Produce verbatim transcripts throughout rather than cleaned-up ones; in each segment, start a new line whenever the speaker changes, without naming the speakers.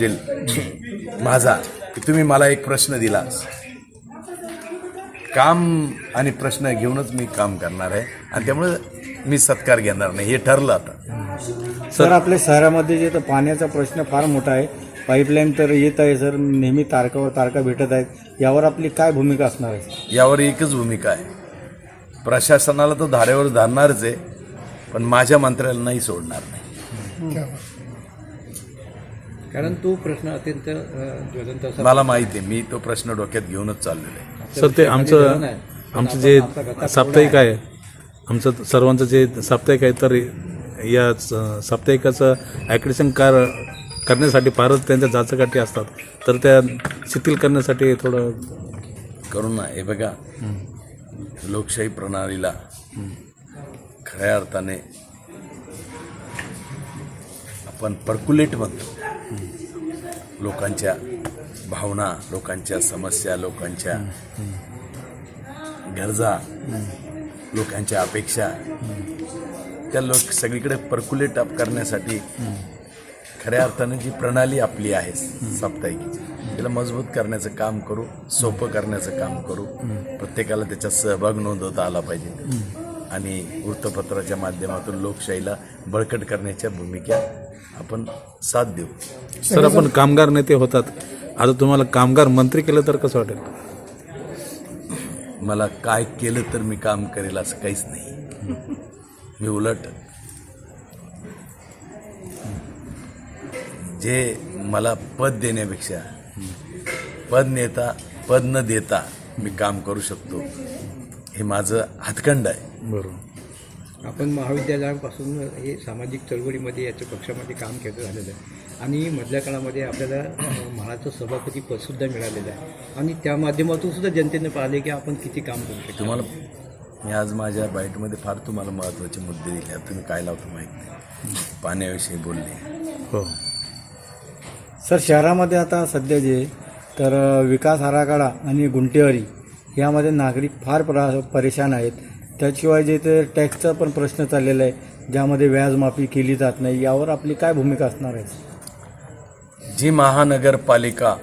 समजेल माझा की तुम्ही मला एक प्रश्न दिला, काम आणि प्रश्न घेऊनच मी काम करणार आहे आणि त्यामुळे मी सत्कार घेणार नाही, हे ठरलं आता.
सर आपल्या शहरामध्ये जे तर पाण्याचा प्रश्न फार मोठा आहे, पाईपलाईन तर येत आहे सर, नेहमी तारकावर तारका भेटत आहेत, यावर आपली काय भूमिका असणार आहे?
यावर एकच भूमिका आहे, प्रशासनाला तर धारेवर धरणारच आहे, पण माझ्या मंत्र्याला नाही सोडणार नाही.
कारण तो प्रश्न अत्यंत ज्वलंत असा.
मला माहिती आहे, मी तो प्रश्न डोक्यात घेऊनच चाललेलो आहे.
सर ते आमचं आमचं जे साप्ताहिक आहे, आमचं सर्वांचं जे साप्ताहिक आहे, तर या साप्ताहिकाचं ॲक्रेडिशन कार करण्यासाठी फारच त्यांच्या जाचकाठी असतात, तर त्या शिथिल करण्यासाठी थोडं
करू ना. हे बघा, लोकशाही प्रणालीला खऱ्या अर्थाने आपण पर्क्युलेट म्हणतो. लोकांच्या भावना, लोकांच्या समस्या, लोकांच्या गरजा, लोकांच्या अपेक्षा, त्या लोक सगळीकडे पर्क्युलेट अप करण्यासाठी खऱ्या अर्थाने जी प्रणाली आपली आहे साप्ताहिकीची, त्याला मजबूत करण्याचं काम करू, सोपं करण्याचं काम करू, प्रत्येकाला त्याच्यात सहभाग नोंदवता आला पाहिजे आणि वृत्तपत्राच्या माध्यमातून लोकशाहीला बळकट करण्याच्या भूमिका आपण साथ देऊ.
सर आपण कामगार नेते होतात, आता तुम्हाला कामगार मंत्री केलं तर कसं वाटेल?
मला काय केलं तर मी काम करेल असं काहीच नाही. मी उलट जे मला पद देण्यापेक्षा पद नेता पद न देता मी काम करू शकतो, हे माझं हातखंड आहे.
बरोबर.
आपण महाविद्यालयापासून हे सामाजिक चळवळीमध्ये याच्या पक्षामध्ये काम केलं झालेलं आहे आणि मधल्या काळामध्ये आपल्याला म्हाडाचं सभापती पदसुद्धा मिळालेलं आहे आणि त्या माध्यमातून सुद्धा जनतेने पाहिले की आपण किती काम करू शकतो.
तुम्हाला मी आज माझ्या बाईटमध्ये फार तुम्हाला महत्त्वाचे मुद्दे दिले, तुम्ही काय लावतो माहीत नाही. पाण्याविषयी बोलले.
हो
सर शहरामध्ये आता सध्या जे तर विकास आराखडा आणि गुंटेवारी यामध्ये नागरिक फार प्रा परेशान आहेत. त्याशिवाय जे ते टॅक्सचा पण प्रश्न चाललेला आहे, ज्यामध्ये व्याजमाफी केली जात नाही, यावर आपली काय भूमिका असणार आहे?
जी महानगरपालिका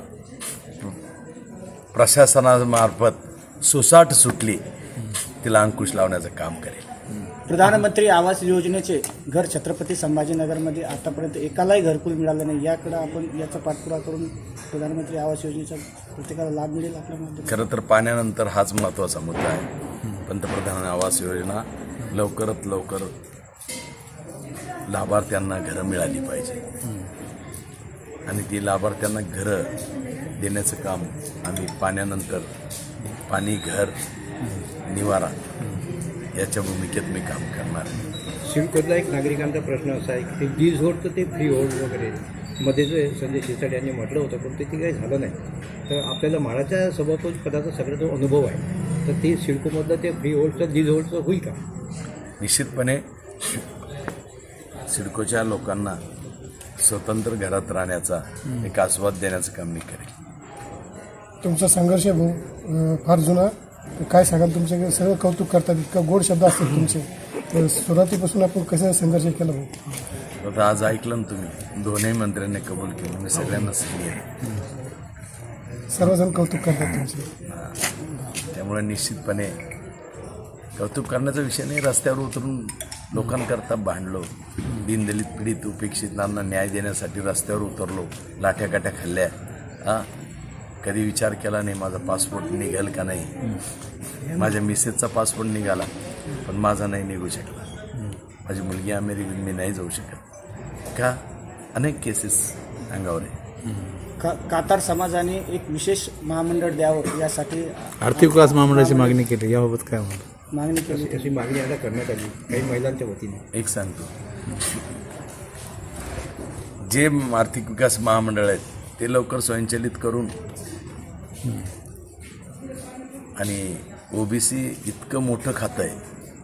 प्रशासनामार्फत सुसाट सुटली, तिला अंकुश लावण्याचं काम करेल.
प्रधानमंत्री आवास योजनेचे घर छत्रपती संभाजीनगरमध्ये आतापर्यंत एकालाही घरकुल मिळालं नाही, याकडे आपण याचा पाठपुरावा करून प्रधानमंत्री आवास योजनेचा प्रत्येकाला लाभ मिळेल आपल्या माध्यमातून.
खरं तर पाण्यानंतर हाच महत्त्वाचा मुद्दा आहे. पंतप्रधान आवास योजना लवकरात लवकर लाभार्थ्यांना घरं मिळाली पाहिजे आणि ती लाभार्थ्यांना घरं देण्याचं काम आम्ही पाण्यानंतर पाणी, घर, निवारा याच्या भूमिकेत मी काम करणार आहे.
सिडकोतला एक नागरिकांचा प्रश्न असा आहे की ते वीज होल्ड ते फ्री होल्ड वगैरे मध्ये जे संजय शिरसाट यांनी म्हटलं होतं, पण ते काही झालं नाही. तर आपल्याला म्हाडाच्या सभापती पदाचा सगळा जो अनुभव आहे, तर ते सिडकोमधलं ते फ्री होल्डचं वीज होल्डचं होईल का?
निश्चितपणे सिडकोच्या लोकांना स्वतंत्र घरात राहण्याचा एक आस्वाद देण्याचं काम मी करेन.
तुमचा संघर्ष भाऊ फार जुना, काय सांगाल? तुमचे सगळं कौतुक करतात, इतका गोड शब्द असतात तुमचे, तर सुरुवातीपासून आपण कसं संघर्ष केला भाऊ?
आता आज ऐकलं ना तुम्ही, दोन्ही मंत्र्यांनी कबूल केलं, मी सगळ्यांना सांगितलं आहे.
सर्वजण कौतुक करतात तुमचे,
त्यामुळे निश्चितपणे कौतुक करण्याचा विषय नाही. रस्त्यावर उतरून लोकांकरता भांडलो, दीनदलित पीडित उपेक्षितांना न्याय देण्यासाठी रस्त्यावर उतरलो, लाठ्याकाठ्या खाल्ल्या. हां, कधी विचार केला नाही माझा पासपोर्ट निघेल का नाही. माझ्या मिसेसचा पासपोर्ट निघाला, पण माझा नाही निघू शकला. माझी मुलगी अमेरिकेत, मी नाही जाऊ शकत. का? अनेक केसेस अंगावर आहे.
का कातार समाजाने एक विशेष महामंडळ द्यावं यासाठी
आर्थिक विकास महामंडळाची मागणी केली, याबाबत काय म्हणतो?
मागणी केली.
अशी मागणी आता करण्यात आली काही महिलांच्या वतीने.
एक सांगतो, जे आर्थिक विकास महामंडळ आहेत ते लवकर स्वयंचलित करून आणि ओबीसी इतकं मोठं खातं आहे,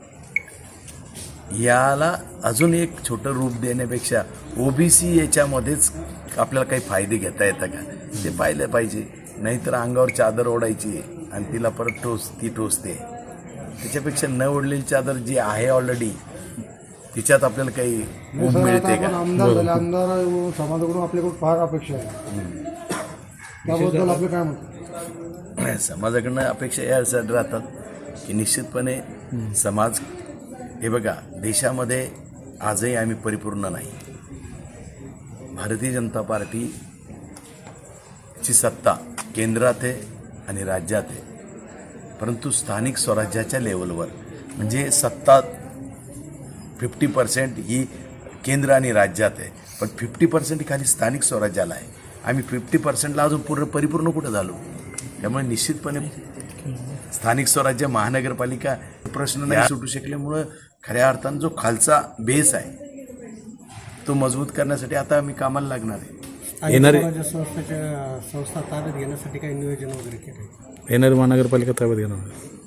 याला अजून एक छोटं रूप देण्यापेक्षा ओबीसी याच्यामध्येच आपल्याला काही फायदे घेता येतं का ते पाहिलं पाहिजे. नाहीतर अंगावर चादर ओढायची आणि तिला परत टोच ती टोचते. त्याच्यापेक्षा न ओढलेली चादर जी आहे ऑलरेडी तिच्यात आपल्याला काही ऊब मिळते का?
आमदार झाले आमदार समाजाकडून आपल्याकडून फार अपेक्षा आहे त्याबद्दल आपलं काय म्हणतं?
समाजाकडनं अपेक्षा यासाठी राहतात की निश्चितपणे समाज हे बघा, देशामध्ये आजही आम्ही परिपूर्ण नाही. भारतीय जनता पार्टीची सत्ता केंद्रात आहे आणि राज्यात आहे, परंतु स्थानिक स्वराज्याच्या लेवलवर म्हणजे सत्ता फिफ्टी पर्सेंट ही केंद्र आणि राज्यात आहे, पण फिफ्टी पर्सेंट खाली स्थानिक स्वराज्याला आहे. आम्ही फिफ्टी पर्सेंटला अजून पूर्ण परिपूर्ण कुठं झालो. त्यामुळे निश्चितपणे स्थानिक स्वराज्य महानगरपालिका प्रश्न नाही सुटू शकल्यामुळं खऱ्या अर्थानं जो खालचा बेस आहे तो मजबूत करण्यासाठी आता आम्ही कामाला लागणार आहे.
येणारे
संस्थेच्या संस्था ताब्यात घेण्यासाठी काही नियोजन वगैरे केलं
येणारी महानगरपालिका ताब्यात घेणार